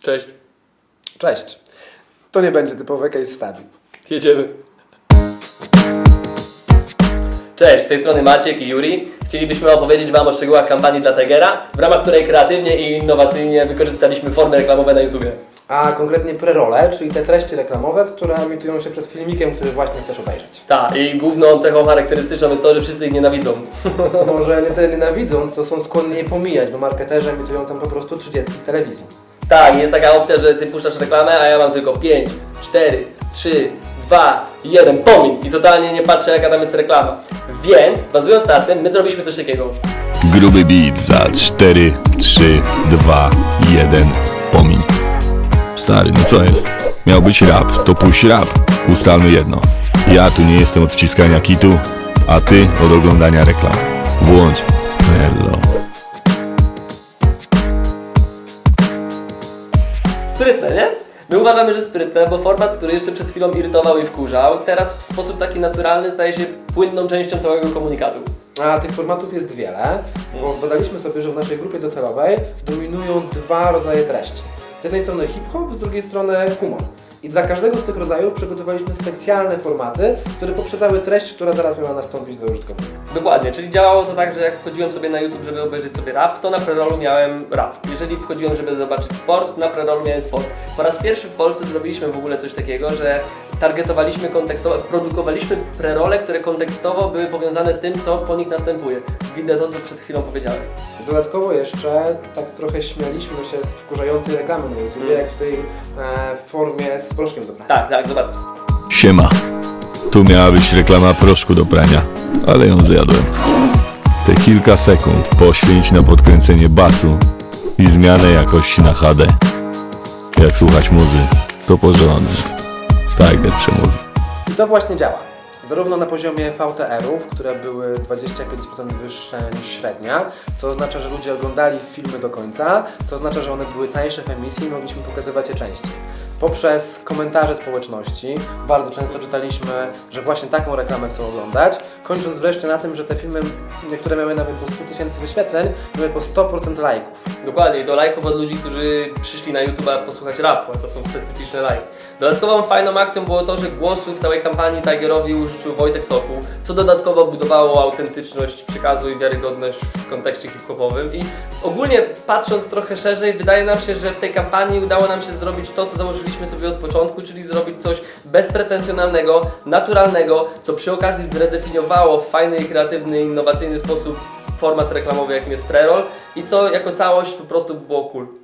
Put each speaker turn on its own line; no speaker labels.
Cześć.
Cześć. To nie będzie typowe case study.
Jedziemy. Cześć, z tej strony Maciek i Juri. Chcielibyśmy opowiedzieć Wam o szczegółach kampanii dla Tigera, w ramach której kreatywnie i innowacyjnie wykorzystaliśmy formy reklamowe na YouTubie.
A konkretnie prerole, czyli te treści reklamowe, które emitują się przed filmikiem, który właśnie chcesz obejrzeć.
Tak, i główną cechą charakterystyczną jest to, że wszyscy ich nienawidzą.
Może nie tyle nienawidzą, co są skłonni je pomijać, bo marketerzy emitują tam po prostu 30 z telewizji.
Tak, jest taka opcja, że Ty puszczasz reklamę, a ja mam tylko 5, 4, 3, 2, 1, pomin. I totalnie nie patrzę, jaka tam jest reklama. Więc, bazując na tym, my zrobiliśmy coś takiego.
Gruby beat za 4, 3, 2, 1, pomiń. Stary, no co jest? Miał być rap, to puść rap. Ustalmy jedno. Ja tu nie jestem od wciskania kitu, a ty od oglądania reklam. Włącz. Hello.
Sprytne, nie? My uważamy, że sprytne, bo format, który jeszcze przed chwilą irytował i wkurzał, teraz w sposób taki naturalny staje się płynną częścią całego komunikatu.
A tych formatów jest wiele, bo zbadaliśmy sobie, że w naszej grupie docelowej dominują dwa rodzaje treści. Z jednej strony hip-hop, z drugiej strony humor. I dla każdego z tych rodzajów przygotowaliśmy specjalne formaty, które poprzedzały treść, która zaraz miała nastąpić dla użytkownika.
Dokładnie, czyli działało to tak, że jak wchodziłem sobie na YouTube, żeby obejrzeć sobie rap, to na prerolu miałem rap. Jeżeli wchodziłem, żeby zobaczyć sport, na prerolu miałem sport. Po raz pierwszy w Polsce zrobiliśmy w ogóle coś takiego, że targetowaliśmy kontekstowo, produkowaliśmy prerole, które kontekstowo były powiązane z tym, co po nich następuje. Widzę to, co przed chwilą powiedziałem.
Dodatkowo jeszcze tak trochę śmialiśmy się z wkurzającej reklamy na YouTube, jak w tej formie z proszkiem do prania.
Tak, zobacz.
Siema. Tu miała być reklama proszku do prania, ale ją zjadłem. Te kilka sekund poświęć na podkręcenie basu i zmianę jakości na HD. Jak słuchać muzy, to porządnie. Tiger przemówi.
I to właśnie działa. Zarówno na poziomie VTR-ów, które były 25% wyższe niż średnia, co oznacza, że ludzie oglądali filmy do końca, co oznacza, że one były tańsze w emisji i mogliśmy pokazywać je częściej. Poprzez komentarze społeczności bardzo często czytaliśmy, że właśnie taką reklamę chcą oglądać, kończąc wreszcie na tym, że te filmy, niektóre miały nawet po 100 000 wyświetleń, miały po 100% lajków.
Dokładnie, i do lajków od ludzi, którzy przyszli na YouTube'a posłuchać rapu, a to są specyficzne lajki. Dodatkową fajną akcją było to, że głosu w całej kampanii Tigerowi użyczył Wojtek Sokół, co dodatkowo budowało autentyczność przekazu i wiarygodność w kontekście hip-hopowym. I ogólnie patrząc trochę szerzej, wydaje nam się, że w tej kampanii udało nam się zrobić to, co założyliśmy sobie od początku, czyli zrobić coś bezpretensjonalnego, naturalnego, co przy okazji zredefiniowało w fajny, kreatywny, innowacyjny sposób format reklamowy, jakim jest preroll i co jako całość po prostu było cool.